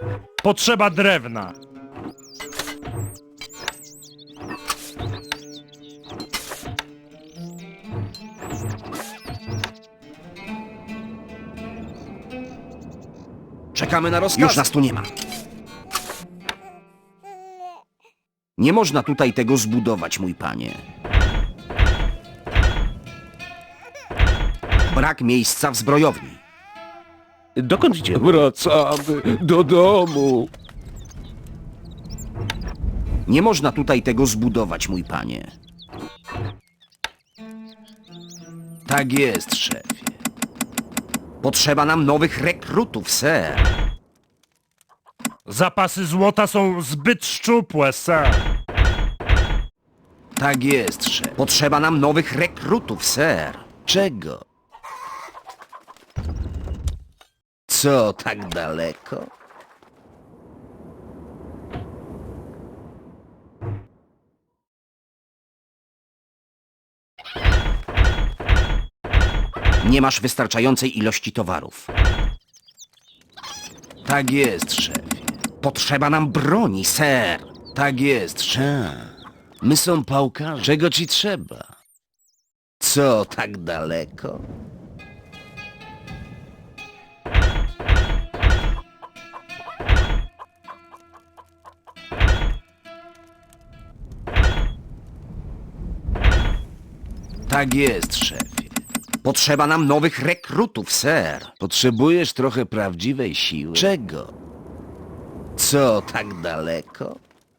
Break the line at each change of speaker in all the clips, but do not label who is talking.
Potrzeba drewna.
Czekamy na rozkaz. Już nas tu nie ma. Nie można tutaj tego zbudować, mój panie. Brak miejsca w zbrojowni.
Dokąd idziemy? Wracamy do domu.
Nie można tutaj tego zbudować, mój panie. Tak jest, szefie. Potrzeba nam nowych rekrutów, ser.
Zapasy złota są zbyt szczupłe, sir.
Tak jest, szef. Potrzeba nam nowych rekrutów, ser. Czego? Co tak daleko? Nie masz wystarczającej ilości towarów. Tak jest, szefie. Potrzeba nam broni, ser. Tak jest, szefie. My są pałkarze. Czego ci trzeba? Co tak daleko? Tak jest, szefie. Potrzeba nam nowych rekrutów, ser. Potrzebujesz trochę prawdziwej siły. Czego? Co tak daleko?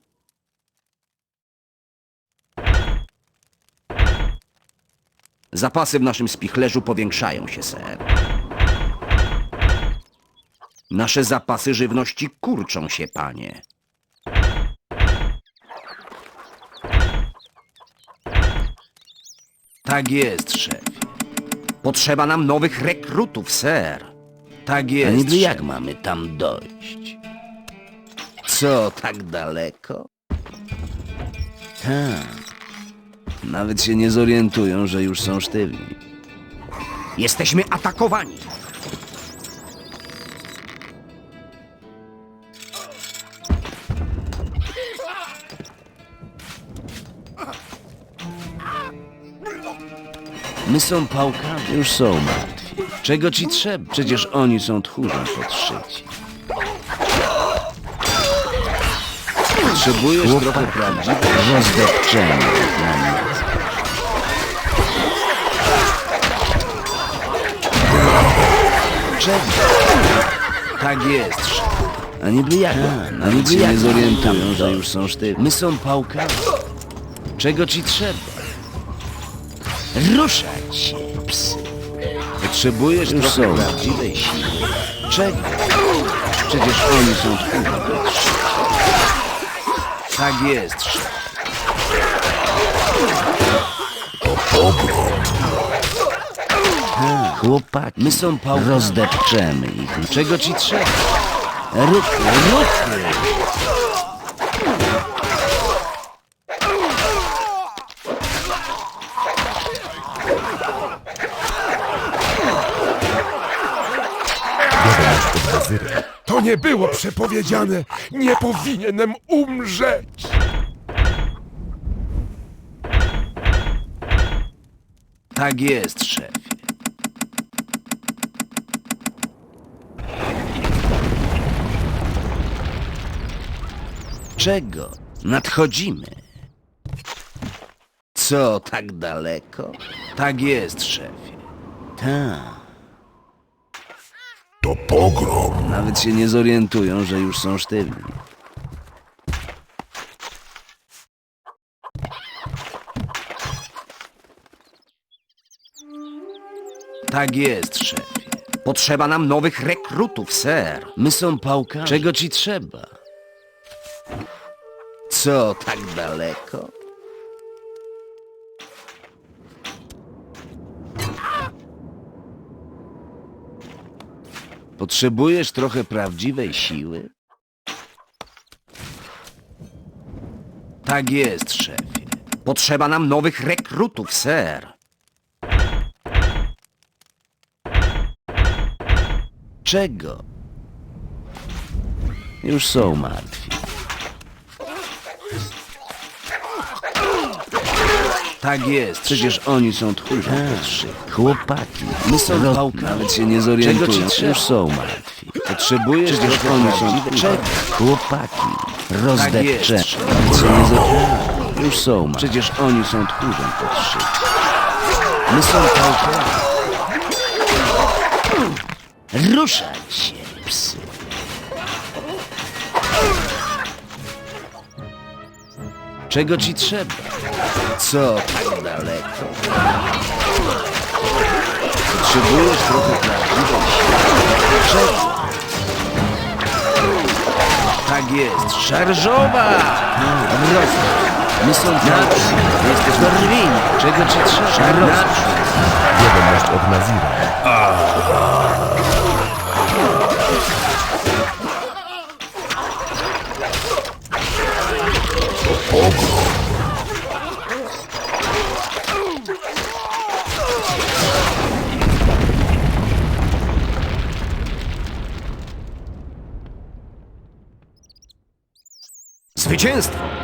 Zapasy w naszym spichlerzu powiększają się, ser. Nasze zapasy żywności kurczą się, panie. Tak jest, szefie. Potrzeba nam nowych rekrutów, ser. Tak jest,
niby jak
szefie. Mamy tam dojść? Co tak daleko? Tak. Nawet się nie zorientują, że już są sztywni. Jesteśmy atakowani! My są pałkami. Już są martwi. Czego ci trzeba? Przecież oni są tchórzem podszyci. Potrzebujesz trochę prawdziwej rozdepczenia dla mnie. Czego? Tak jest, szef. A niby jak? A niby jak nie zorientują, że już są sztywni. My są pałkami. Czego ci trzeba? Ruszać się, psy. Potrzebujesz już trochę prawdziwej siły. Czego? Przecież oni są tchórzy. Tak jest, szef. Chłopaki, my są pałkami. Rozdepczemy ich. Czego ci trzeba? Ruchy, ruchy!
To nie było przepowiedziane! Nie powinienem umrzeć!
Tak jest, szefie. Czego? Nadchodzimy. Co tak daleko? Tak jest, szefie. Tak.
To pogrom!
Nawet się nie zorientują, że już są sztywni. Tak jest, szefie. Potrzeba nam nowych rekrutów, ser. My są pałkami. Czego ci trzeba? Co tak daleko? Potrzebujesz trochę prawdziwej siły? Tak jest, szefie. Potrzeba nam nowych rekrutów, ser. Czego? Już są martwi. Tak jest, przecież oni są tchórzem. Chłopaki, my są pałkami. Nawet się nie zorientują, już są martwi. Potrzebujesz, przecież oni są tchórzem. Chłopaki, rozdepcze. Nawet się nie zorientują, już są martwi. Przecież oni są tchórzem podszyci. My są pałkami. Ruszać się, psy. Czego ci trzeba? Co tak daleko? Potrzebujesz trochę prawdziwości. Czego? Tak jest, szarżowa! Rozumiem. My są naprzód. Jesteś dorwieni. Czego ci trzeba? Naprzód.
Wiadomość od Nazira.
Zwycięstwo!